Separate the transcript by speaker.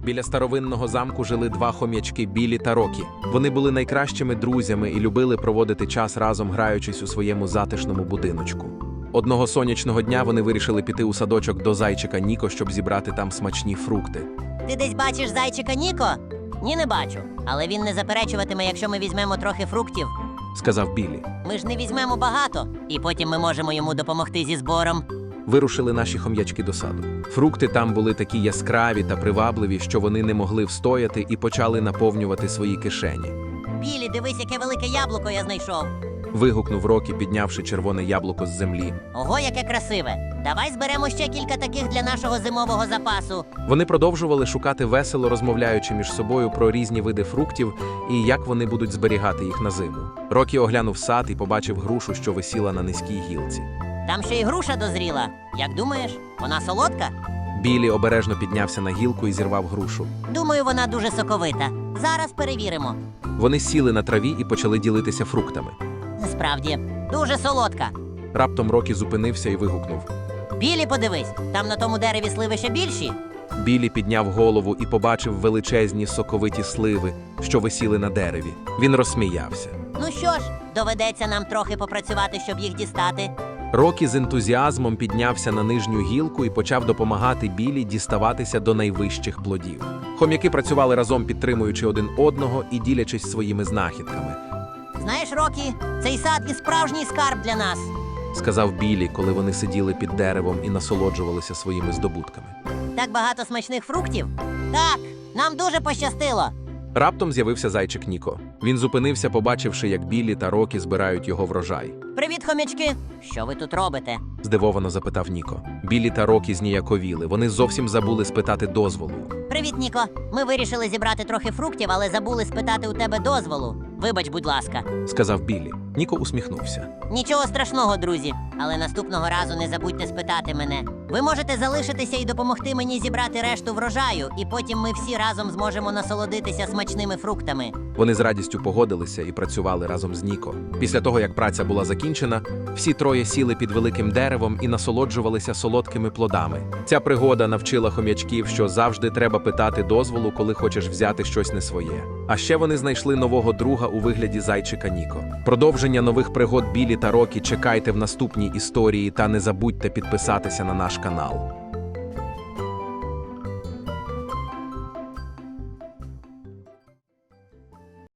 Speaker 1: Біля старовинного замку жили два хом'ячки Білі та Рокі. Вони були найкращими друзями і любили проводити час разом, граючись у своєму затишному будиночку. Одного сонячного дня вони вирішили піти у садочок до зайчика Ніко, щоб зібрати там смачні фрукти.
Speaker 2: Ти десь бачиш зайчика Ніко? Ні, не бачу. Але він не заперечуватиме, якщо ми візьмемо трохи фруктів.
Speaker 1: Сказав Білі.
Speaker 2: Ми ж не візьмемо багато, і потім ми можемо йому допомогти зі збором.
Speaker 1: Вирушили наші хом'ячки до саду. Фрукти там були такі яскраві та привабливі, що вони не могли встояти і почали наповнювати свої кишені.
Speaker 2: Білі, дивись, яке велике яблуко я знайшов.
Speaker 1: Вигукнув Рокі, піднявши червоне яблуко з землі.
Speaker 2: Ого, яке красиве. Давай зберемо ще кілька таких для нашого зимового запасу.
Speaker 1: Вони продовжували шукати весело, розмовляючи між собою про різні види фруктів і як вони будуть зберігати їх на зиму. Рокі оглянув сад і побачив грушу, що висіла на низькій гілці.
Speaker 2: Там ще й груша дозріла. Як думаєш, вона солодка?
Speaker 1: Білі обережно піднявся на гілку і зірвав грушу.
Speaker 2: Думаю, вона дуже соковита. Зараз перевіримо.
Speaker 1: Вони сіли на траві і почали ділитися фруктами.
Speaker 2: Справді, дуже солодка.
Speaker 1: Раптом Рокі зупинився і вигукнув.
Speaker 2: Білі, подивись, там на тому дереві сливи ще більші.
Speaker 1: Білі підняв голову і побачив величезні соковиті сливи, що висіли на дереві. Він розсміявся.
Speaker 2: Ну що ж, доведеться нам трохи попрацювати, щоб їх дістати.
Speaker 1: Рокі з ентузіазмом піднявся на нижню гілку і почав допомагати Білі діставатися до найвищих плодів. Хом'яки працювали разом, підтримуючи один одного і ділячись своїми знахідками.
Speaker 2: Знаєш, Рокі, цей сад і справжній скарб для нас.
Speaker 1: Сказав Білі, коли вони сиділи під деревом і насолоджувалися своїми здобутками.
Speaker 2: Так багато смачних фруктів. Так, нам дуже пощастило.
Speaker 1: Раптом з'явився зайчик Ніко. Він зупинився, побачивши, як Білі та Рокі збирають його врожай.
Speaker 2: Привіт, хомячки. Що ви тут робите?
Speaker 1: Здивовано запитав Ніко. Білі та Рокі зніяковіли. Вони зовсім забули спитати дозволу.
Speaker 2: Привіт, Ніко. Ми вирішили зібрати трохи фруктів, але забули спитати у тебе дозволу. Вибач, будь ласка.
Speaker 1: Сказав Білі. Ніко усміхнувся.
Speaker 2: Нічого страшного, друзі. Але наступного разу не забудьте спитати мене. Ви можете залишитися і допомогти мені зібрати решту врожаю, і потім ми всі разом зможемо насолодитися смачними фруктами.
Speaker 1: Вони з радістю погодилися і працювали разом з Ніко. Після того, як праця була закінчена, всі троє сіли під великим деревом і насолоджувалися солодкими плодами. Ця пригода навчила хом'ячків, що завжди треба питати дозволу, коли хочеш взяти щось не своє. А ще вони знайшли нового друга у вигляді зайчика Ніко. Продовження нових пригод Білі та Рокі чекайте в наступній історії та не забудьте підписатися на наш канал.